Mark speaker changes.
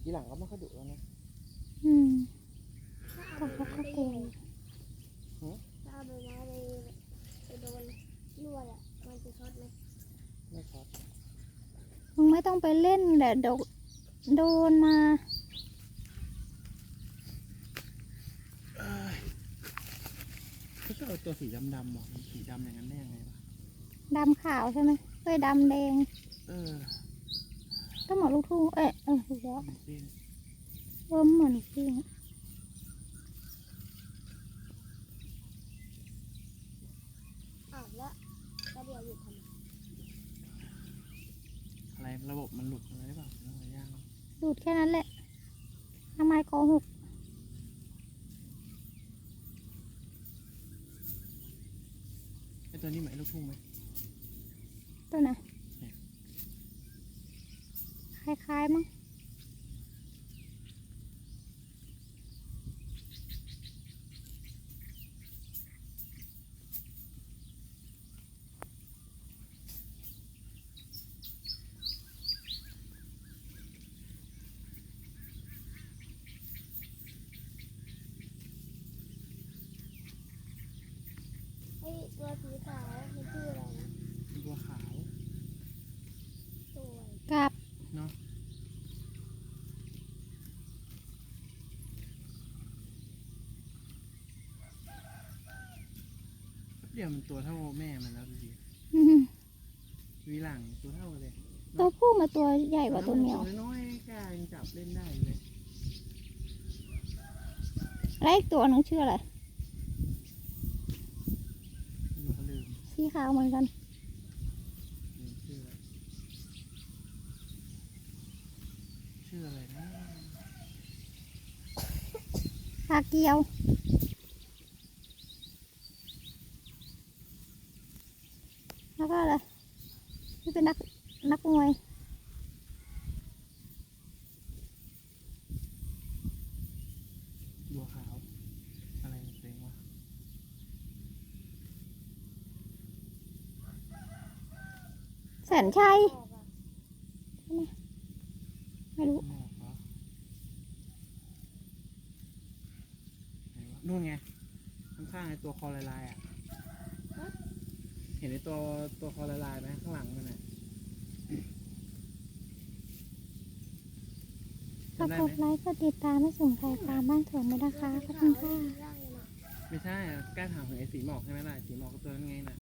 Speaker 1: ทีหลังก็ไม่ค่อยดุแล้วนะ
Speaker 2: แต่เขาก็กลัว
Speaker 3: ถ้าเอาใบไม้ไปโดนลวดอ่ะมันจะช็อตไหม
Speaker 1: ไม่ช็อต
Speaker 2: มึงไม่ต้องไปเล่นแหละโดนมา
Speaker 1: เขาชอบเอาตัวสีดำๆหรอมันสีดำอย่างนั้นได้ยังไงวะ
Speaker 2: ดำขาวใช่ไหมเอ้ยดำแดง
Speaker 1: เออ
Speaker 2: ก็เหมือนลูกทุ่งถูกแล้ว
Speaker 1: จริง
Speaker 2: เหมือนลูกทุ่ง
Speaker 3: อ้าวแล้วก็เดี๋ยวหยุดทำไม
Speaker 1: อะไรระบบมันหลุดอะไรหรือเปล่าอะไรย่าง
Speaker 2: ดูดแค่นั้นแหละทำไมโกหก
Speaker 1: ไอตัวนี้หมายลูกทุ่งไหม
Speaker 2: ตัวไหนคล้ายๆมั้ง
Speaker 3: ไอ้ตัวสีขาวมันชื่ออะไรนะ
Speaker 1: ตัวขาว
Speaker 3: สวย
Speaker 2: กับ
Speaker 1: เนาะเดี๋ยวมันตัวเท่าแม่มันแล้วดูดิ วีหลังตัวเท่าเลย
Speaker 2: ตัวผู้มาตัวใหญ่กว่าตัวเมีย
Speaker 1: ตัวน้อยๆกล้ายังจับเล่นได้เลย
Speaker 2: แล้วอีกตัวนึงชื่ออะไร
Speaker 1: ไม่รู้เขาลืม
Speaker 2: สีขาวเหมือนกัน
Speaker 1: ชื่ออะไรนะ
Speaker 2: ปลาเกียวแล้วก็อะไรที่เป็นนักมวย
Speaker 1: บัวขาวอะไรเพลงวะ
Speaker 2: แสนชัย
Speaker 3: ออกอ่ะ
Speaker 2: ไม่รู้
Speaker 1: ไม่ออกเหรอไหนวะนู่นไงข้างๆไอ้ตัวคอลายๆอ่ะเห็นไอ้ตัวคอลายๆไหมข้างหลังมันอ่ะ
Speaker 2: ฝาก
Speaker 1: จำได้
Speaker 2: ก
Speaker 1: ไหม
Speaker 2: ดไลค์กดติดตามให้สุ่มไข่ปลาบ้านสวนด้วยนะคะขอบคุณค่ะ
Speaker 3: ร่างเลยนะ
Speaker 1: ไม่ใช่อะแกล้ถามถึงไอ้สีหมอกใช่ไหมล่ะสีหมอกก็ตัวนั้นไงน่ะ